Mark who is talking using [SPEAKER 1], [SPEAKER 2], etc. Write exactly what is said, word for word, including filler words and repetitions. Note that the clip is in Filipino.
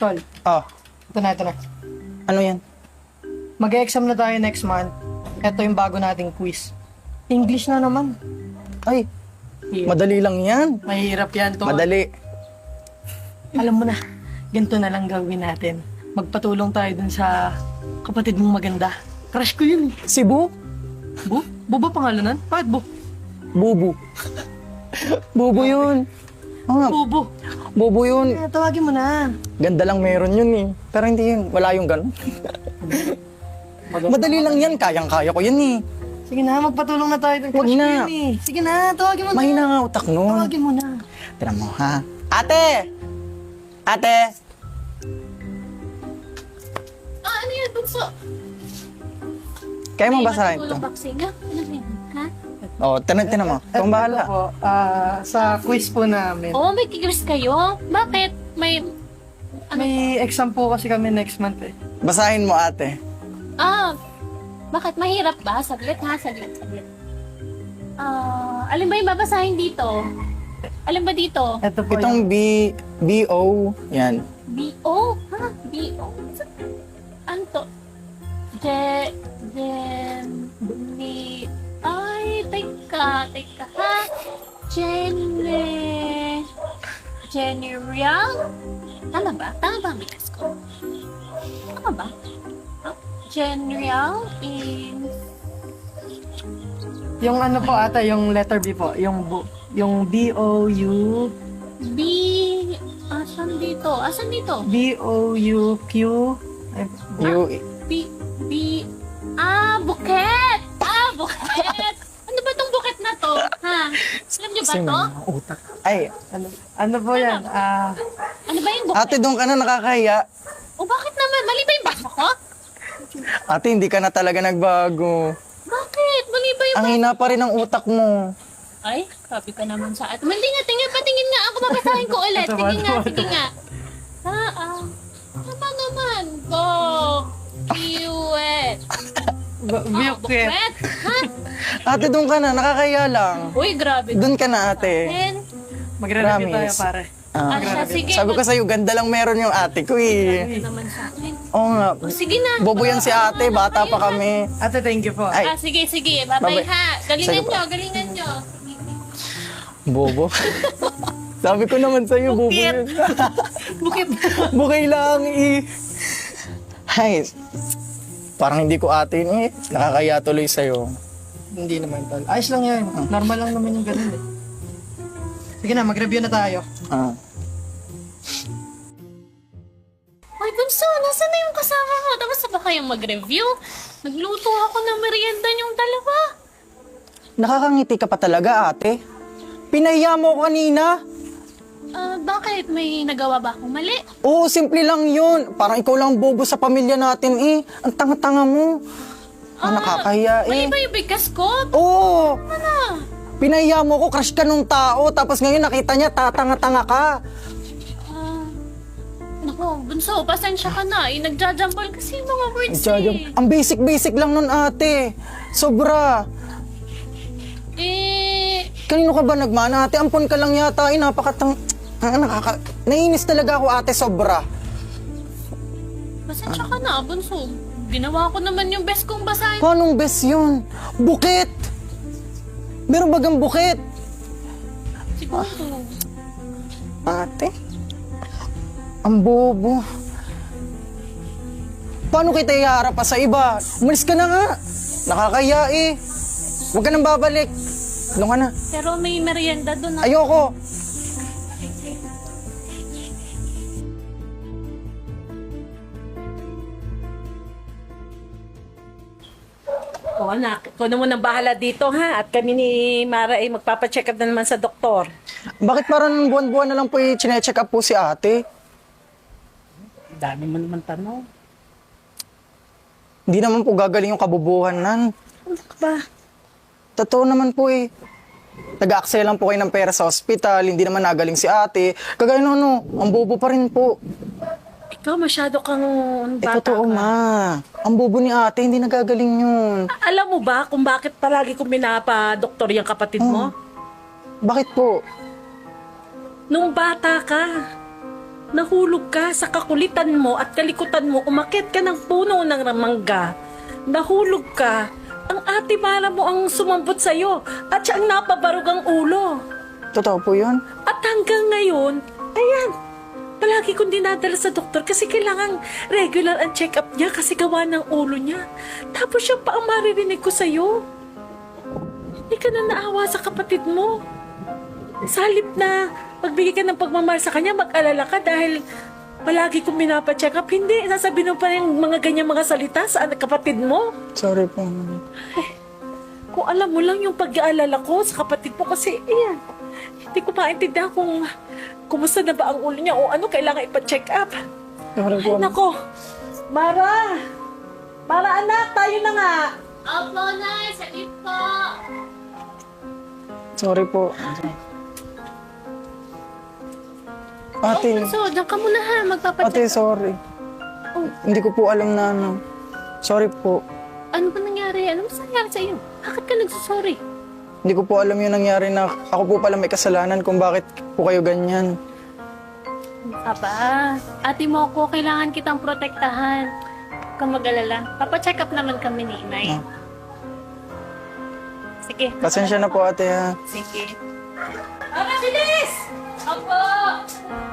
[SPEAKER 1] Tol,
[SPEAKER 2] Ah,
[SPEAKER 1] ito na, ito na.
[SPEAKER 2] ano yan?
[SPEAKER 1] Mag-exam na tayo next month. Ito yung bago nating quiz. English na naman.
[SPEAKER 2] Ay,
[SPEAKER 1] Yeah.
[SPEAKER 2] madali lang yan.
[SPEAKER 1] Mahirap yan, Tol.
[SPEAKER 2] Madali.
[SPEAKER 1] Alam mo na, ganito na lang gawin natin. Magpatulong tayo dun sa kapatid mong maganda. Crush ko yun.
[SPEAKER 2] Si Bu?
[SPEAKER 1] Bu? Bu ba pangalanan? Bakit Bu?
[SPEAKER 2] Bubu. Bubu yun. Oo nga,
[SPEAKER 1] Bubu.
[SPEAKER 2] Bubu yun.
[SPEAKER 1] Eh, tawagin mo na.
[SPEAKER 2] Ganda lang meron yun eh. Pero hindi yun. Wala yung ganun. Madali lang yan. Kayang-kaya ko yan eh.
[SPEAKER 1] Sige na, magpatulong na tayo dun.
[SPEAKER 2] Huwag
[SPEAKER 1] Crush ko
[SPEAKER 2] na.
[SPEAKER 1] yun eh. Sige na, tawagin mo na.
[SPEAKER 2] Mahina nga utak nun.
[SPEAKER 1] Tawagin mo na.
[SPEAKER 2] Tira mo ha. Ate! Ate!
[SPEAKER 3] Ah, ano yan, bunso?
[SPEAKER 2] Kaya mo basahin ito?
[SPEAKER 3] Tulong boxing, ha? Ano yan, ha?
[SPEAKER 2] Oo, oh, tinan, tinan mo. Ikaw ang bahala.
[SPEAKER 1] Ito po, ah, sa quiz po namin.
[SPEAKER 3] Oo, may kikris kayo. Bakit? May...
[SPEAKER 1] May exam po kasi kami next month eh.
[SPEAKER 2] Basahin mo ate.
[SPEAKER 3] Ah, bakit? Mahirap ba? Saglit, ha? Saglit, saglit. Ah, alin ba yung babasahin dito? Alin ba dito?
[SPEAKER 1] Ito po
[SPEAKER 2] Itong
[SPEAKER 1] yung...
[SPEAKER 2] B, B O, yan.
[SPEAKER 3] B O? Ha? B O? Ano to? Je... Jen... Ni... Ay, teka, teka, ha? Jenny... Jenny Real? Tama ba? Tama ba ang bigas ko? Tama ba? Huh? Jenny Real in...
[SPEAKER 1] Yung ano po ata, yung letter B po. Yung, bu- yung B O U...
[SPEAKER 3] B... Asan dito? Asan dito?
[SPEAKER 1] B O U Q... Ay,
[SPEAKER 2] U,
[SPEAKER 3] B... B... Ah, buket! Ah, buket! Ano ba tong buket na to? Ha? Alam niyo ba
[SPEAKER 2] kasi
[SPEAKER 3] to?
[SPEAKER 2] may utak. Ay,
[SPEAKER 1] ano, ano po yan? Ah...
[SPEAKER 3] Ano ba yung buket?
[SPEAKER 2] ate doon ka na nakakahiya.
[SPEAKER 3] O bakit naman? Mali ba yung basa ko?
[SPEAKER 2] Ate, hindi ka na talaga nagbago.
[SPEAKER 3] Bakit? Mali ba yung...
[SPEAKER 2] Ang hina pa rin ang utak mo.
[SPEAKER 3] Ay, sabi ka naman sa at. Hindi nga, tingin, patingin nga ako. Babasahin ko ulit.
[SPEAKER 1] Ito ba,
[SPEAKER 3] Tingin nga,
[SPEAKER 1] ito ba,
[SPEAKER 3] sige nga. Ah, ah. Tama naman. Go. Kiwet.
[SPEAKER 1] b-
[SPEAKER 3] Ah,
[SPEAKER 1] buket.
[SPEAKER 3] buket. Ha?
[SPEAKER 2] Ate, doon ka na, nakakahiya lang.
[SPEAKER 3] Uy, grabe.
[SPEAKER 2] Doon ka na, ate.
[SPEAKER 3] Ten.
[SPEAKER 1] Magre-review tayo
[SPEAKER 2] Promise.
[SPEAKER 1] pare.
[SPEAKER 2] Ah,
[SPEAKER 3] Ah, siya, sige.
[SPEAKER 2] sabi ko sa'yo, ganda lang meron yung ate ko eh.
[SPEAKER 3] Grabe naman sa akin.
[SPEAKER 2] Oo nga.
[SPEAKER 3] O, sige na.
[SPEAKER 2] Bobo yan si ate, bata pa kami.
[SPEAKER 1] Ate, thank you po.
[SPEAKER 2] Ay.
[SPEAKER 3] Ah, sige, sige. Bye-bye
[SPEAKER 2] Bye-bye.
[SPEAKER 3] ha. Galingan
[SPEAKER 2] Sige po.
[SPEAKER 3] nyo, galingan nyo.
[SPEAKER 2] Bobo. Sabi ko naman sa'yo, bobo yun.
[SPEAKER 1] Bukit.
[SPEAKER 2] Bukay lang eh. Ay, parang hindi ko ate yun eh. Nakakaya tuloy sa'yo.
[SPEAKER 1] Hindi naman tol. Ayos lang yan. Normal lang naman yung ganun eh. Sige na, mag-review na tayo.
[SPEAKER 2] Ah.
[SPEAKER 3] Ay, Bunso, nasa na yung kasama mo? Tapos na ba kayong mag-review? Nagluto ako ng merienda yung dalawa.
[SPEAKER 2] Nakakangiti ka pa talaga, ate. Pinahiya mo ko kanina.
[SPEAKER 3] Ah, bakit? May nagawa ba akong mali?
[SPEAKER 2] Oo, simple lang yun. Parang ikaw lang bobo sa pamilya natin eh. Ang tanga-tanga mo. Ah, nakakahiya
[SPEAKER 3] Mali
[SPEAKER 2] eh.
[SPEAKER 3] ba yung bigkas ko?
[SPEAKER 2] Oo,
[SPEAKER 3] Ano?
[SPEAKER 2] pinahiya mo ko, crush ka nung tao. Tapos ngayon nakita niya, tatanga-tanga ka.
[SPEAKER 3] Ah, naku, Bunso, pasensya ka na. Eh, nagjajambol kasi yung mga words
[SPEAKER 2] Jajam,
[SPEAKER 3] eh.
[SPEAKER 2] ang basic-basic lang nun, ate. Sobra.
[SPEAKER 3] Eh,
[SPEAKER 2] Kanino ka ba nagmana, ate? Ampon ka lang yata. Eh, napakatang... Ah, nakaka... Naiinis talaga ako, ate. Sobra.
[SPEAKER 3] pasensya ka na, Bunso. Ginawa ko naman yung best kong basahin.
[SPEAKER 2] Paanong best yun? Bukit! Meron bagang bukit?
[SPEAKER 3] Siguro.
[SPEAKER 2] Ate? Ang bobo. Paano kita iharap pa sa iba? Umalis ka na nga. Nakakaya eh. Huwag ka nang babalik. Doon ka na.
[SPEAKER 3] Pero may merienda doon. ha?
[SPEAKER 2] Ayoko.
[SPEAKER 4] O anak, ikaw na munang bahala dito ha. At kami ni Mara ay magpapacheck up na naman sa doktor.
[SPEAKER 2] Bakit parang buwan-buwan na lang po i-check up po si ate?
[SPEAKER 4] Dami mo naman tanong.
[SPEAKER 2] Hindi naman po gagaling yung kabubuhan nan.
[SPEAKER 4] Ano ka ba?
[SPEAKER 2] Totoo naman po eh. Nag-aaksaya lang po kayo ng pera sa ospital, hindi naman nagaling si ate. Kagaya no, no, ang bobo pa rin po.
[SPEAKER 4] Ikaw masyado kang
[SPEAKER 2] Eh,
[SPEAKER 4] bata
[SPEAKER 2] totoo
[SPEAKER 4] ka.
[SPEAKER 2] ma. Ang bobo ni ate, hindi nagagaling yun.
[SPEAKER 4] Alam mo ba kung bakit palagi kong minapa-doktor yung kapatid mo?
[SPEAKER 2] Bakit po?
[SPEAKER 4] Nung bata ka, Nahulog ka sa kakulitan mo at kalikutan mo, umakyat ka ng puno ng mangga. Nahulog ka. Ang ate Mara mo ang sumambot sa'yo at siya ang napabarog ang ulo.
[SPEAKER 2] Totoo po yun?
[SPEAKER 4] At hanggang ngayon, ayan, palagi kong dinadala sa doktor kasi kailangan regular ang check-up niya kasi gawa ng ulo niya. Tapos siya pa ang maririnig ko sa'yo. Hindi ka na naawa sa kapatid mo. Sa halip na magbigay ka ng pagmamahal sa kanya, mag-alala ka dahil palagi kong minapacheck up. Hindi, sasabihin mo pa yung mga ganyang mga salita sa anak kapatid mo.
[SPEAKER 2] Sorry po, ma'am.
[SPEAKER 4] Kung alam mo lang yung pag-aalala ko sa kapatid mo kasi, ayan, hindi ko maintindihan kung kumusta na ba ang ulo niya o ano kailangan ipa-check up.
[SPEAKER 2] Sorry po.
[SPEAKER 4] Ay, nako. Mara! Mara, anak, tayo na nga.
[SPEAKER 3] Opo, Nay. Salit po.
[SPEAKER 2] Sorry po. Ate,
[SPEAKER 3] So, diyan ka muna ha. Magpapacheck.
[SPEAKER 2] ate, sorry.
[SPEAKER 3] Oh.
[SPEAKER 2] Hindi ko po alam na ano. Sorry po.
[SPEAKER 3] Ano ba nangyari? Ano ba nangyari sa iyo? Bakit ka nagsusorry?
[SPEAKER 2] Hindi ko po alam yung nangyari na ako po pala may kasalanan kung bakit po kayo ganyan.
[SPEAKER 3] Aba, ate mo ako, kailangan kitang protektahan. Huwag kang mag-alala. Papacheck up naman kami ni Inay.
[SPEAKER 2] Ah.
[SPEAKER 3] Sige.
[SPEAKER 2] Pasensya na po ate ha.
[SPEAKER 3] Sige.
[SPEAKER 4] Mara, bilis!
[SPEAKER 3] Opo!